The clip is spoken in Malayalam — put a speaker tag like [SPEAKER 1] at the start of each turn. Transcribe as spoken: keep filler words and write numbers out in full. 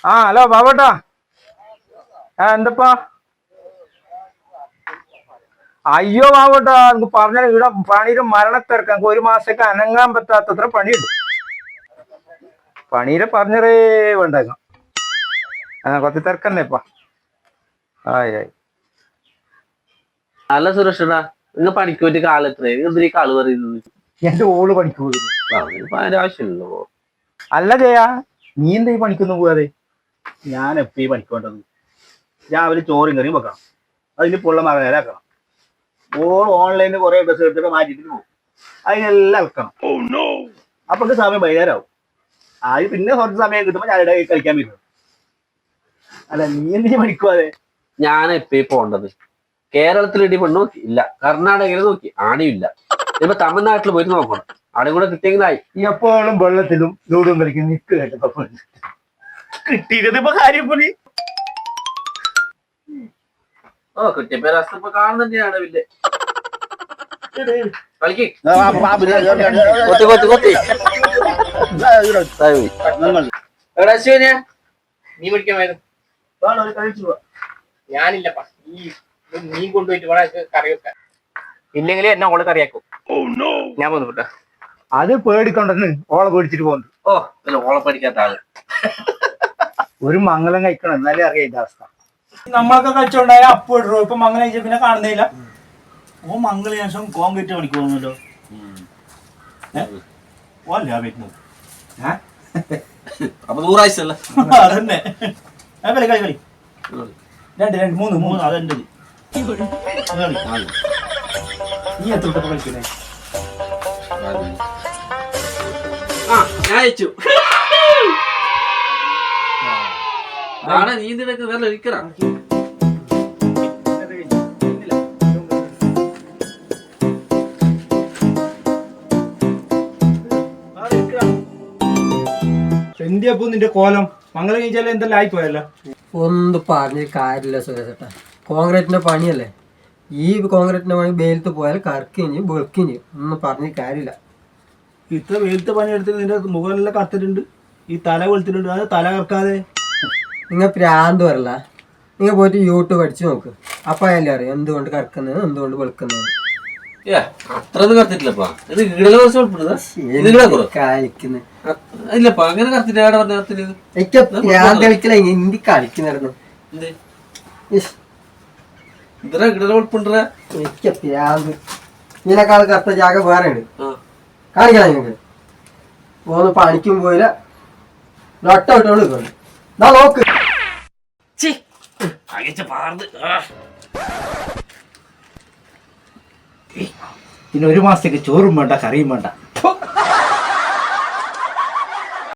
[SPEAKER 1] ആ ഹലോ ബാബേട്ടാ. ആ എന്തപ്പാ? അയ്യോ ബാബേട്ടാ, എനിക്ക് പറഞ്ഞ ഇവിടെ പണിയുടെ മരണത്തിരക്ക്. എനിക്ക് ഒരു മാസത്തേക്ക് അനങ്ങാൻ പറ്റാത്തത്ര പണിയുണ്ട്. പണിയുടെ പറഞ്ഞറേ വേണ്ടേക്കാം. ആ കുറച്ച് തിരക്കന്നെ ഇപ്പ. ആയി ആയി.
[SPEAKER 2] അല്ല സുരക്ഷടാ, നിങ്ങൾ പണിക്ക് പറ്റിയ കാലത്രേ എന്തിനീ കാള് പറയുന്നത്?
[SPEAKER 1] എന്റെ ഓള് പണിക്ക് പോയിരുന്നു.
[SPEAKER 2] അതിന്റെ ആവശ്യമില്ലല്ലോ.
[SPEAKER 1] അല്ല ജയാ, നീ എന്താ ഈ പണിക്കൊന്നും പോകാതെ?
[SPEAKER 3] ഞാൻ എപ്പ ഈ പണിക്കൊണ്ടത് രാവിലെ ചോറും കറിയും വെക്കണം, അതിന് പുള്ള മകനാക്കണം, ഓൾ ഓൺലൈനിൽ കുറെ ഡ്രസ് എടുത്തിട്ട് മാറ്റിട്ട് പോകും, അതിനെല്ലാം വെക്കണം. അപ്പൊ സമയം വൈകുന്നേരമാവും. ആദ്യം പിന്നെ കുറച്ച് സമയം കിട്ടുമ്പോ ഞാൻ ഇവിടെ കളിക്കാൻ പറ്റും. അല്ല നീ എന്തിനു പണിക്കുവാതെ?
[SPEAKER 2] ഞാൻ എപ്പ പോണ്ടത്? കേരളത്തിൽ ഇടി പെണ്ണ് നോക്കി ഇല്ല, കർണാടകയിൽ നോക്കി ആണിയില്ല, ഇപ്പൊ തമിഴ്നാട്ടിൽ പോയിട്ട് നോക്കണം, അവിടെ കൂടെ കിട്ടിയെങ്കിലായി.
[SPEAKER 1] എപ്പോഴും വെള്ളത്തിലും ലൂടും കളിക്കും നിക്ക് കേട്ടപ്പോ
[SPEAKER 3] കിട്ടിയത് ഇപ്പൊ കാര്യം പൊടി.
[SPEAKER 2] ഓ കിട്ടിയപ്പോ രസം ഇപ്പൊ കാണുന്നതന്നെയാണ്. പിന്നെ കളിക്ക് കൊത്തി കൊത്തി കൊത്തി എടാ ശിവനെ,
[SPEAKER 4] നീ പഠിക്കാൻ വരുന്നു? ഞാനില്ലപ്പാ. ഈ നീ കൊണ്ടുപോയിട്ട് വേണം കറി വെക്കാൻ. ഇല്ലെങ്കിൽ എന്നെ ഓള് കറിയാക്കും. ഞാൻ പോന്നു കേട്ടോ.
[SPEAKER 1] അത് പേടിക്കൊണ്ടെന്ന് ഓളെ പേടിച്ചിട്ട് പോകുന്നു.
[SPEAKER 2] ഓ അല്ല, ഓളെ പഠിക്കാത്ത ആള്.
[SPEAKER 1] ഒരു മംഗലം കഴിക്കണം, എന്നാലേ അറിയാം ഇതിന്റെ അവസ്ഥ.
[SPEAKER 5] നമ്മളൊക്കെ കളിച്ചോണ്ടായ അപ്പൊ ഇടറോ, ഇപ്പൊ മംഗലം കഴിച്ച പിന്നെ കാണുന്നില്ല.
[SPEAKER 3] ഓ മംഗള ശേഷം കോൺക്രീറ്റ് പണിക്ക് പോകുന്നല്ലോ. ഓല്ല വരുന്നത്
[SPEAKER 2] അപ്പൊ നൂറാഴ്ചല്ല
[SPEAKER 3] അതന്നെ. കളി കളി കളി രണ്ട് രണ്ട് മൂന്ന് മൂന്ന് അതെന്റെ. നീ എത്ര കളിക്കുന്നേ?
[SPEAKER 2] ആ ഞാൻ അയച്ചു. നീ ഇതിനൊക്കെ വേറെ ഒരിക്കലാ.
[SPEAKER 5] എന്തിയപ്പോ നിന്റെ കോലം? മംഗലം കഴിച്ചാലും എന്തെല്ലാം ആയിപ്പോയല്ലോ.
[SPEAKER 6] ഒന്നും പറഞ്ഞ കാര്യമില്ല സുരേഷേട്ടാ, കോൺക്രീറ്റിന്റെ പണിയല്ലേ. ഈ കോൺക്രീറ്റിന്റെ പണി വെയിലത്ത് പോയാൽ കറക്കുകയും ചെയ്യും വെളുക്കുകയും ചെയ്യും. ഒന്നും പറഞ്ഞ കാര്യമില്ല.
[SPEAKER 3] ഇത്ര വെയിലത്തെ പണിയെടുത്ത് നിന്റെ മുഖമെല്ലാം കറുത്തിട്ടുണ്ട്, ഈ തല വെളുത്തിട്ടുണ്ട്. അത് തല കറക്കാതെ
[SPEAKER 6] നിങ്ങൾ പ്രാന്ത് വരല്ല. നിങ്ങൾ പോയിട്ട് യൂട്യൂബ് അടിച്ചു നോക്ക്, അപ്പൊ അല്ലേ അറിയാം എന്തുകൊണ്ട് കറക്കുന്നത് എന്തുകൊണ്ട് വെളുക്കുന്നത്.
[SPEAKER 2] അത്രയൊന്നും കറത്തിട്ടില്ലപ്പാ. ഇത് ഇടല
[SPEAKER 6] കളിക്കുന്നത്
[SPEAKER 2] ഇല്ലപ്പാ. അങ്ങനെ കറത്തിട്ട് ഏടെ പറഞ്ഞ
[SPEAKER 6] എനിക്ക് പ്രാന്ത് കളിക്കല എന്തി കളിക്കുന്നായിരുന്നു.
[SPEAKER 2] ഇത്ര ഇടല ഉൾപ്പുണ്ട.
[SPEAKER 6] എനിക്ക് പ്രാന്ത്. ഇതിനേക്കാൾ കറുത്ത ജാഗ വേറെയാണ്. കാണിക്കണം നിങ്ങൾക്ക്. പോന്ന് പണിക്കും പോയില്ല, നൊട്ട വിട്ടോണ്ട് നിൽക്കുന്നു. നോക്ക്
[SPEAKER 3] പിന്നെ ഒരു മാസത്തേക്ക് ചോറും വേണ്ട കറിയും വേണ്ട.